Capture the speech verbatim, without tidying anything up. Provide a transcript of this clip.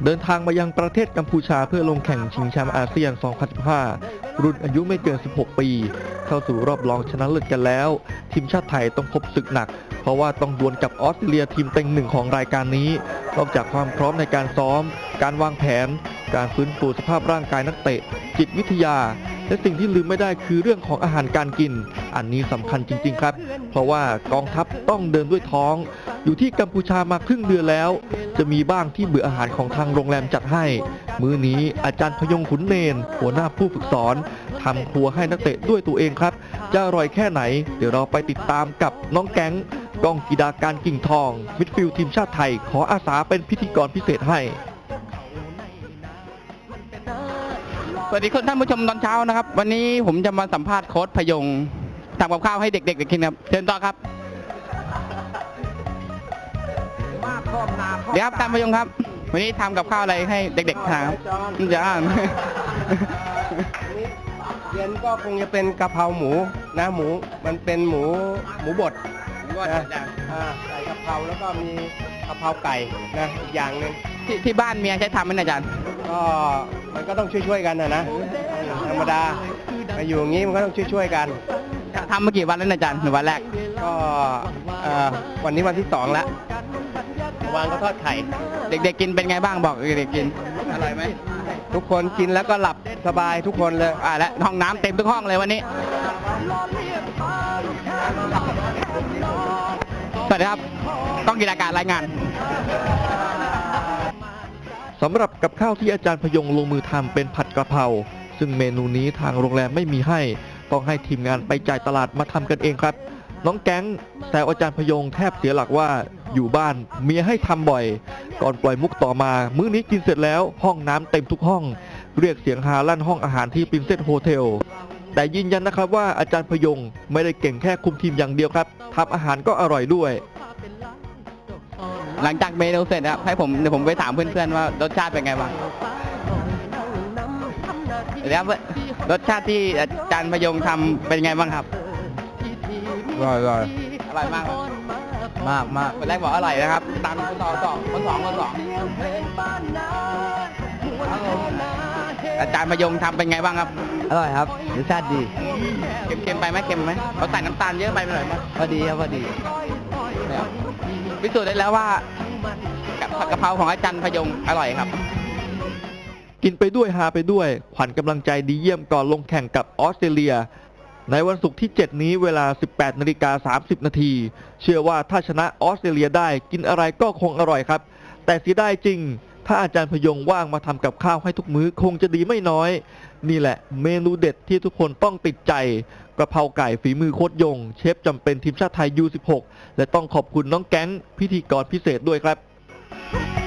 เดินทางมายังประเทศกัมพูชาเพื่อลงแข่งชิงแชมป์อาเซียน สองพันสิบห้า รุ่นอายุไม่เกิน สิบหก ปี เข้าสู่รอบรองชนะเลิศกันแล้ว ทีมชาติไทยต้องพบศึกหนัก เพราะว่าต้องดวลกับออสเตรเลียทีมเต็งหนึ่งของรายการนี้ นอกจากความพร้อมในการซ้อม การวางแผน การฟื้นฟูสภาพร่างกายนักเตะ จิตวิทยา และสิ่งที่ลืมไม่ได้คือเรื่องของอาหารการกิน อันนี้สำคัญจริงๆครับ เพราะว่ากองทัพต้องเดินด้วยท้อง อยู่ที่กัมพูชามาครึ่งเดือนแล้ว จะมีบ้างที่เบื่ออาหารของทางโรงแรมจัดให้ มื้อนี้อาจารย์พยงขุนเนนหัวหน้าผู้ฝึกสอนทำครัวให้นักเตะด้วยตัวเองครับ จะอร่อยแค่ไหน เดี๋ยวเราไปติดตามกับน้องแก๊งกองกีฬาการกิ่งทองมิดฟิลด์ทีมชาติไทยขออาสาเป็นพิธีกรพิเศษให้สวัสดีคุณท่านผู้ชมตอนเช้านะครับวันนี้ผมจะมาสัมภาษณ์โค้ชพยงทำกับข้าวให้เด็กๆกินครับเชิญต่อครับเดี๋ยวครับท่านพยงครับวันนี้ทำกับข้าวอะไรให้เด็กๆทานครับจะอ่านเย็นก็คงจะเป็นกะเพราหมูนะหมูมันเป็นหมูหมูบดนะใส่กะเพราแล้วก็มีกะเพราไก่นะอีกอย่างหนึ่งที่ที่บ้านเมียใช้ทำไหมอาจารย์ก็มันก็ต้องช่วยๆกันนะนะธรรมดามาอยู่อย่างนี้มันก็ต้องช่วยๆกันทำมากี่วันแล้วอาจารย์หนึ่งวันแรกก็วันนี้วันที่สองแล้ววางก็ทอดไข่เด็กๆกินเป็นไงบ้างบอกเด็กๆกินอร่อยไหมทุกคนกินแล้วก็หลับสบายทุกคนเลยอ่าและห้องน้ำเต็มทุกห้องเลยวันนี้สวัสดีครับต้องกีฬาการรายงานสำหรับกับข้าวที่อาจารย์พยงลงมือทำเป็นผัดกะเพราซึ่งเมนูนี้ทางโรงแรมไม่มีให้ต้องให้ทีมงานไปจ่ายตลาดมาทำกันเองครับน้องแก๊งแต่อาจารย์พยงแทบเสียหลักว่าอยู่บ้านเมียให้ทำบ่อยก่อนปล่อยมุกต่อมามื้อนี้กินเสร็จแล้วห้องน้ำเต็มทุกห้องเรียกเสียงฮาลั่นห้องอาหารที่ปรินเซสโฮเทลแต่ยืนยันนะครับว่าอาจารย์พยงไม่ได้เก่งแค่คุมทีมอย่างเดียวครับทำอาหารก็อร่อยด้วยหลังจากเมนูเสร็จครับให้ผมเดี๋ยวผมไปถามเพื่อนๆว่ารสชาติเป็นไงบ้างแล้วรสชาติที่อาจารย์พยงทำเป็นไงบ้างครับอร่อยอร่อยอร่อยมากมากมากคนแรกบอกอร่อยนะครับตามคนสองสองคนสองคนสองอาจารย์พยงทำเป็นไงบ้างครับอร่อยครับรสชาติดีเค็มๆไปไหมเค็มไหมเขาใส่น้ำตาลเยอะไปหน่อยไหมพอดีครับพอดีพิสูจน์ได้แล้วว่าผัดกะเพราของอาจารย์พยงอร่อยครับกินไปด้วยฮาไปด้วยขวัญกำลังใจดีเยี่ยมก่อนลงแข่งกับออสเตรเลียในวันศุกร์ที่เจ็ดนี้เวลา สิบแปดนาฬิกาสามสิบนาทีเชื่อว่าถ้าชนะออสเตรเลียได้กินอะไรก็คงอร่อยครับแต่เสียดายจริงถ้าอาจารย์พยงว่างมาทำกับข้าวให้ทุกมื้อคงจะดีไม่น้อยนี่แหละเมนูเด็ดที่ทุกคนต้องติดใจกะเพราไก่ฝีมือโค้ชยงเชฟจำเป็นทีมชาติไทย ยู สิบหก และต้องขอบคุณน้องแก๊งพิธีกรพิเศษด้วยครับ